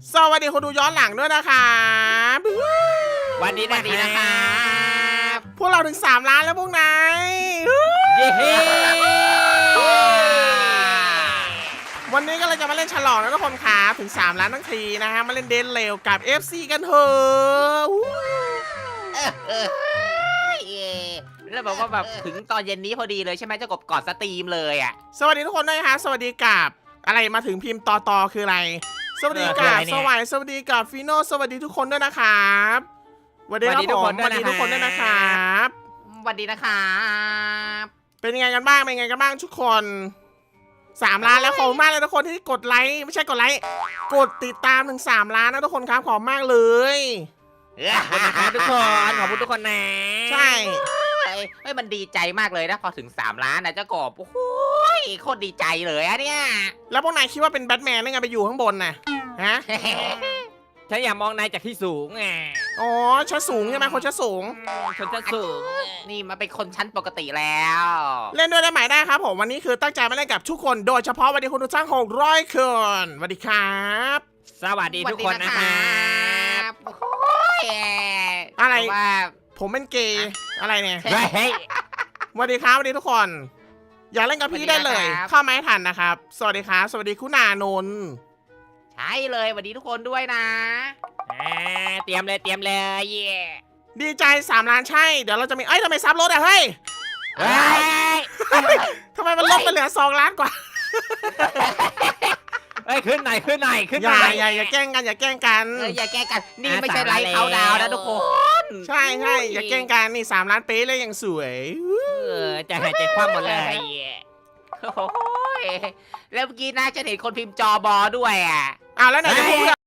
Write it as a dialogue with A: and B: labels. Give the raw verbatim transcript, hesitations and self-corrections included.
A: สวัสดีคนดูย้อนหลังด้วยนะครับ
B: วันนี้นะครับ
A: พวกเราถึงสามล้านแล้วพวกนาย
B: เย้
A: วันนี้ก็เลยจะมาเล่นฉลองนะทุกคนครับถึงสามล้านทั้งทีนะฮะมาเล่นเดนเร็วกับ เอฟ ซี กันเถอะ
B: แล้วบอกว่าแบบถึงตอนเย็นนี้พอดีเลยใช่ไหมเจ้ากบกอดสตรีมเลยอ่ะ
A: สวัสดีทุกคนด้วยฮะสวัสดีกับอะไรมาถึงพิมพ์ตอตอคืออะไรสวัสดีกับสวัสดีสวัสดีกับฟีโน่สวัสดีทุกคนด้วยนะครับสวัสดีครับผมสวัสดีทุกคนด้วยนะครับ
B: สวัสดีนะครับ
A: เป็นยังไงกันบ้างเป็นยังไงกันบ้างทุกคนสามล้านแล้วขอบคุณมากเลยทุกคนที่กดไลค์ไม่ใช่กดไลค์กดติดตามถึงสามล้านนะทุกคนครับขอบคุณมากเลย
B: ขอบคุณนะครับทุกคนขอบคุณทุกคนนะ
A: ใช่
B: เฮ้ยมันดีใจมากเลยนะพอถึงสามล้านนะเจ้ากบโอ้โหโคตรดีใจเลยอะเนี่ย
A: แล้วพวกนายคิดว่าเป็นแบทแมนได้ไงไปอยู่ข้างบนน่ะฮะ
B: ฉันอยากมองนายจากที่สูงไง
A: อ๋อชั้นสูงใช่ไหมคนชั้นสูง
B: คนชั้นสูงนี่มาเป็นคนชั้นปกติแล้ว
A: เล่นด้วยได้ไหมได้ครับผมวันนี้คือตั้งใจมาเล่นกับทุกคนโดยเฉพาะวันนี้คุณดูช่างหกร้อยคนสวัสดีครับ
B: สวัสดีทุกคนนะครับ
A: อะไร
B: ว่า
A: ผมเป็นเกย์อะไรเนี่ย
B: เฮ้ย
A: สวัสดีครับสวัสดีทุกคนอยากเล่นกับพี่ได้เลยเข้ามาให้ทันนะครับสวัสดีครับสวัสดีคุณานนท์
B: ใช่เลยสวัสดีทุกคนด้วยนะเตรียมเลยเตรียมเลยเย่
A: ดีใจสามล้านใช่เดี๋ยวเราจะมีเอ้ยทำไมซับรถอะเฮ้ยทำไมมันลดไปเหลือสองล้านกว่า
B: เฮ้ยขึ้นไหนขึ้นไหนขึ้น
A: ไหนอย่าอย่าอย่าแกล้งกันอย่าแกล้งกัน
B: อย่าแกล้งกันนี่ไม่ใช่ไลฟ์เขาดาวนะทุกคน
A: ใช่ใช่อย่าแกล้งกันนี่สามล้านเป๊ะเลยยังสวย
B: เออจะหายใจคว่ำหมดเลยโอ้ยแล้วเมื่อกี้น่าจะเห็นคนพิมพ์จอบอด้วยอ่ะ
A: อ้าวแล้วไหนจะพูด